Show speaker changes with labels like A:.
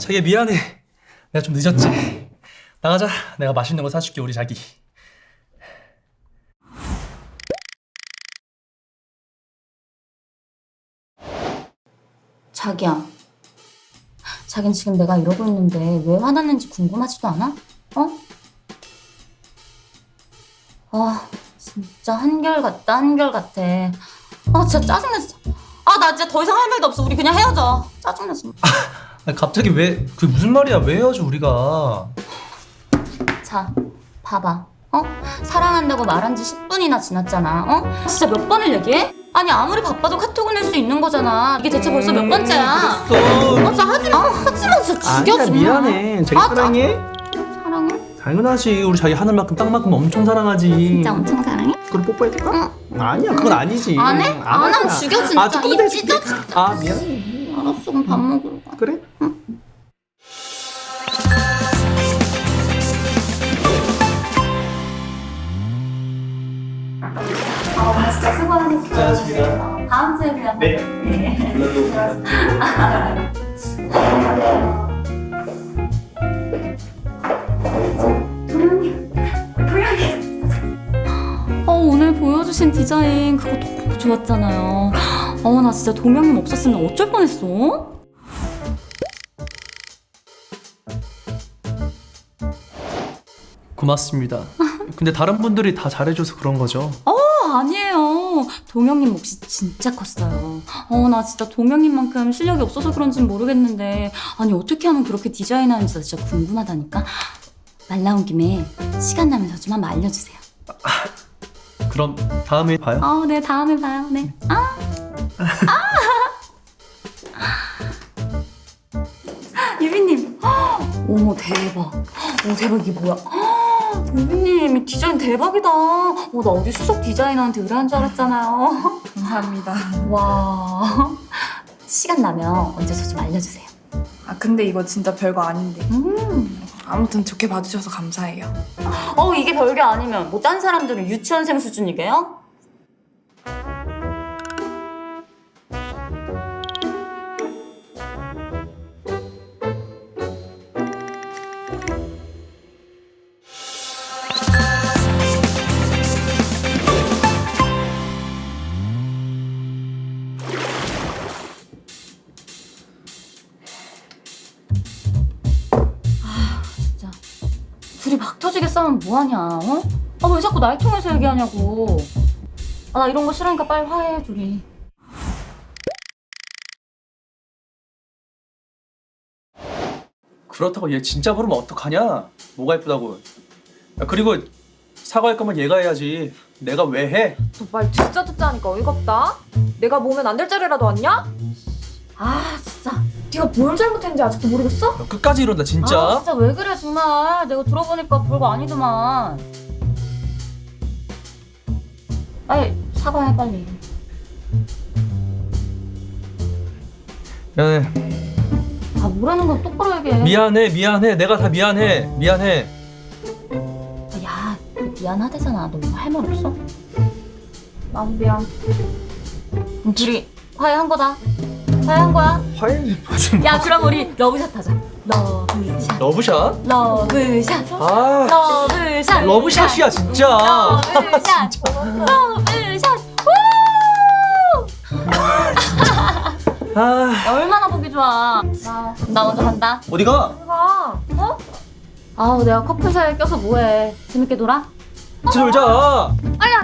A: 자기야 미안해. 내가 좀 늦었지. 나가자. 내가 맛있는 거 사줄게 우리 자기.
B: 자기야, 자긴 지금 내가 이러고 있는데 왜 화났는지 궁금하지도 않아? 어? 아, 진짜 한결같다, 한결같아. 아, 진짜 짜증나, 진짜. 아, 나 진짜 더 이상 할 말도 없어. 우리 그냥 헤어져. 짜증나, 진짜.
A: 아니, 갑자기 왜 그게 무슨 말이야? 왜 헤어져 우리가?
B: 자, 봐봐. 어? 사랑한다고 말한 지 10분이나 지났잖아. 어? 진짜 몇 번을 얘기해? 아니, 아무리 바빠도 카톡은 할 수 있는 거잖아. 이게 대체 벌써 몇 번째야?
A: 그랬어.
B: 진짜 하지 마. 하지마, 진짜 죽여,
A: 아니야
B: 정말.
A: 미안해. 자기 사랑해?
B: 사랑해?
A: 당연하지. 우리 자기 하늘만큼 땅만큼 엄청 사랑하지.
B: 진짜 엄청 사랑해?
A: 그럼 뽀뽀해줄까? 아니야 그건 아니지.
B: 안 해? 안 하면 죽여, 진짜.
A: 아, 조금
B: 입
A: 더
B: 찢어,
A: 해줄게. 아 미안해.
B: 알았어, 그럼 밥 먹으러 가.
A: 그래?
B: 오늘 진짜 수고하셨어요.
A: 고생하셨습니다.
B: 다음 주에 그냥
A: 네.
B: 오늘 보여주신 디자인 그거 너무 좋았잖아요. 나 진짜 동영님 없었으면 어쩔 뻔했어.
A: 고맙습니다. 근데 다른 분들이 다 잘해줘서 그런 거죠.
B: 아니에요. 동영님 몫이 진짜 컸어요. 나 진짜 동영님만큼 실력이 없어서 그런진 모르겠는데 아니 어떻게 하면 그렇게 디자인하는지 나 진짜 궁금하다니까. 말 나온 김에 시간 나면 저 좀 한번 알려주세요.
A: 그럼 다음에 봐요.
B: 네, 다음에 봐요. 네. 유빈님. 어머, 대박. 대박, 이게 뭐야? 유빈님, 디자인 대박이다. 나 어디 수석 디자이너한테 의뢰한 줄 알았잖아요.
C: 감사합니다.
B: 와. 시간 나면 언제 저 좀 알려주세요.
C: 근데 이거 진짜 별거 아닌데.
B: 음.
C: 아무튼 좋게 봐주셔서 감사해요.
B: 이게 별게 아니면 뭐 딴 사람들은 유치원생 수준이게요? 진짜 둘이 막 터지게 싸우면 뭐하냐, 어? 왜 자꾸 날 통해서 얘기하냐고. 나 이런 거 싫으니까 빨리 화해해, 둘이.
A: 그렇다고 얘 진짜 부르면 어떡하냐? 뭐가 예쁘다고. 야, 그리고 사과할 거면 얘가 해야지. 내가 왜 해?
D: 너 말 진짜 듣자 하니까 어이가 없다. 내가 모으면 안 될 자리라도 왔냐?
B: 진짜.
D: 네가 뭘 잘못했는지 아직도 모르겠어?
A: 야, 끝까지 이런다 진짜.
B: 진짜 왜 그래, 정말. 내가 들어보니까 별거 아니더만. 빨리 사과해, 빨리.
A: 미안해.
B: 뭐라는 건 똑바로 얘기해.
A: 미안해. 내가 다 미안해.
B: 야, 미안하대잖아. 너 할 말 없어?
D: 나도 미안.
B: 그럼 둘이 화해한 거다. 화해한 거야.
A: 화해 무슨?
B: 야, 그럼 우리 러브샷 하자. 러브샷.
A: 러브샷?
B: 러브샷.
A: 아,
B: 러브샷.
A: 러브샷이야 진짜.
B: 러브샷. 러브샷. 우!
A: 아,
B: 야, 얼마나 보기 좋아. 나 먼저 간다.
A: 어디가?
D: 가.
B: 내가 커플 사이에 껴서 뭐해. 재밌게 놀아?
A: 같이 놀자.
B: 빨리